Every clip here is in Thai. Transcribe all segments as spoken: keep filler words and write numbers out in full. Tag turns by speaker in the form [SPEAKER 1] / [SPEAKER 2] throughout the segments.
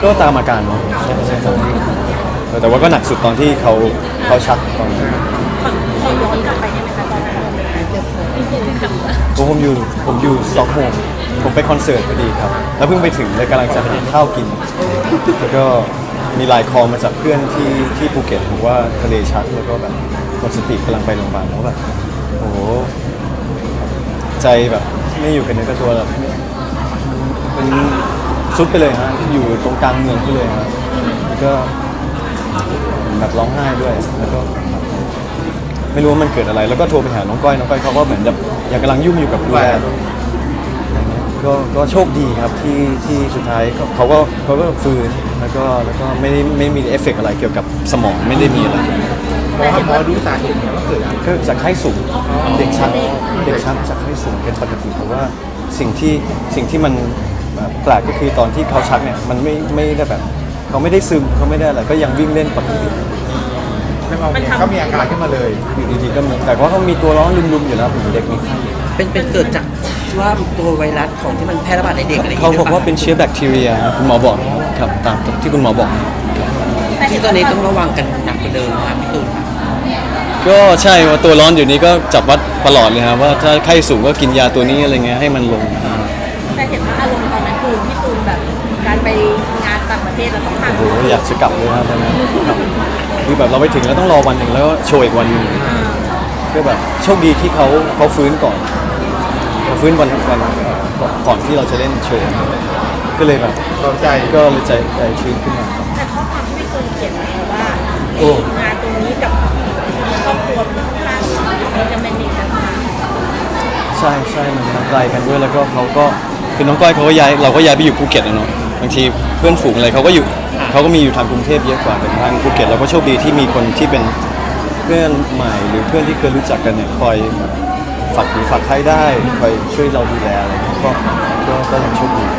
[SPEAKER 1] ก็ตามอาการเนาะใช่ใช่ครับแต่ว่าก็หนักสุดตอนที่เขาเขาชักตอนนั้น
[SPEAKER 2] ขอย้อนกลับไปได้ไหมคะตอนนั้นกลับมา
[SPEAKER 1] ผมอยู่ผมอยู่สต็อกโฮล์มผมไปคอนเสิร์ตพอดีครับแล้วเพิ่งไปถึงเลยกำลังจะหาข้าวกินแล้วก็มีไลน์คอลมาจากเพื่อนที่ที่ภูเก็ตบอกว่าทะเลชักแล้วก็แบบหมดสติกำลังไปโรงพยาบาลแล้วแบบโอ้โหใจแบบไม่อยู่กันเนื้อกับตัวแบบเป็นซุดไปเลยฮะอยู่ตรงกลางเมืองไปเลยฮะแล้วก็แบบร้องไห้ด้วยแล้วก็ไม่รู้ว่ามันเกิดอะไรแล้วก็โทรไปหาน้องก้อยน้องก้อยเขาก็เหมือนแบบยังกำลังยุ่งอยู่กับดูแลก็ก็โชคดีครับที่ที่สุดท้ายเขาก็เขาก็ฟื้นแล้วก็แล้วก็ไม่ได้ไม่มีเอฟเฟกต์อะไรเกี่ยวกับสมองไม่ได้มีอะไร
[SPEAKER 3] หมอหมอรู้สาเหตุเนี่ยว่าเกิดอะไร
[SPEAKER 1] ก็จากไข้สูงเด็กชักเด็กชักจากไข้สูงเป็นปกติเพราะว่าสิ่งที่สิ่งที่มันแปลกก็คือตอนที่เขาชักเนี่ยมันไม่ไม่ได้แบบเขาไม่ได้ซึมเขาไม่ได้อะไรก็ยังวิ่งเล่นปกติ
[SPEAKER 3] แล้วเขาเนี่ยเขามีอาการขึ้นมาเลย
[SPEAKER 1] อยู่ดีๆก็มีแต่ว่าเขามีตัวร้อนลุมๆอยู่แล้วผมเด็กมีไข้
[SPEAKER 4] เป็นเป็นเกิดจากว่าตัวไวรัสของที่มันแพร่ระบาดในเด็กอะไรอย่าง
[SPEAKER 1] เขา
[SPEAKER 4] เงี้ย
[SPEAKER 1] บอกว่าเป็นเชื้อแบคทีเรียคุณหมอบอกครับตามที่คุณหมอบอก
[SPEAKER 4] ที่ตอนนี้ต้องระวังกันหนักกว่าเดิมนะครับพี่ตูนครับ
[SPEAKER 1] ก็ใช่ว่าตัวร้อนอยู่นี้ก็จับวัดตลอดเลยครับว่าถ้าไข้สูงก็กินยาตัวนี้อะไรเงี้ยให้มันลง
[SPEAKER 2] แต่เห็นว่าอารมณ์ตอนนั้นคือพี่ตูนแบบการไปงานต่างประเทศแล้วต้องผ่าน
[SPEAKER 1] โอ้โหอยากจะกลับเลยครับตอนนั้นครับคือแบบเราไปถึงแล้วต้องรอวันหนึ่งแล้วก็โชว์อีกวันหนึ่งก็แบบโชคดีที่เขาเขาฟื้นก่อนเขาฟื้นวันวันก่อนก่อนที่เราจะเล่นโชว์ก็เลยแบบ
[SPEAKER 3] เราใจ
[SPEAKER 1] ก็เลยใจใจชื้นขึ้นมาครับ
[SPEAKER 2] แต่ข้อความที่พี่ตูนเขียนไว้ว่า
[SPEAKER 1] โอ้
[SPEAKER 2] งานตรงนี้กับครอบครัวมันค่อนข้างมันจะเป็นอีกต่างหาก
[SPEAKER 1] ใช่ใช่มันมันไกลกันด้วยแล้วก็เขาก็คือน้องก้อยเขาก็ย้ายเราก็ย้ายไปอยู่ภูเก็ตนะเนาะบางทีเพื่อนฝูงอะไรเขาก็อยู่เขาก็มีอยู่ทางกรุงเทพเยอะกว่าแต่ทางภูเก็ตเราก็โชคดีที่มีคนที่เป็นเพื่อนใหม่หรือเพื่อนที่เคยรู้จักกันเนี่ยคอยฝากหูฝากใครได้คอยช่วยเราดูแลอะไรเงี้ยก็ก็ก็ยังโชคดี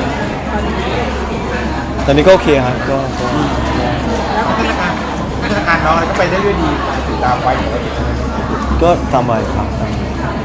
[SPEAKER 1] ตอนนี้ก็โอเคครับก็ก็
[SPEAKER 3] พัฒนาการพัฒนาการน้องอะไรก็ไปได้ด้วยดีติดตามไว้อยู่แล้ว
[SPEAKER 1] ก็ตามวัยครับตามวัย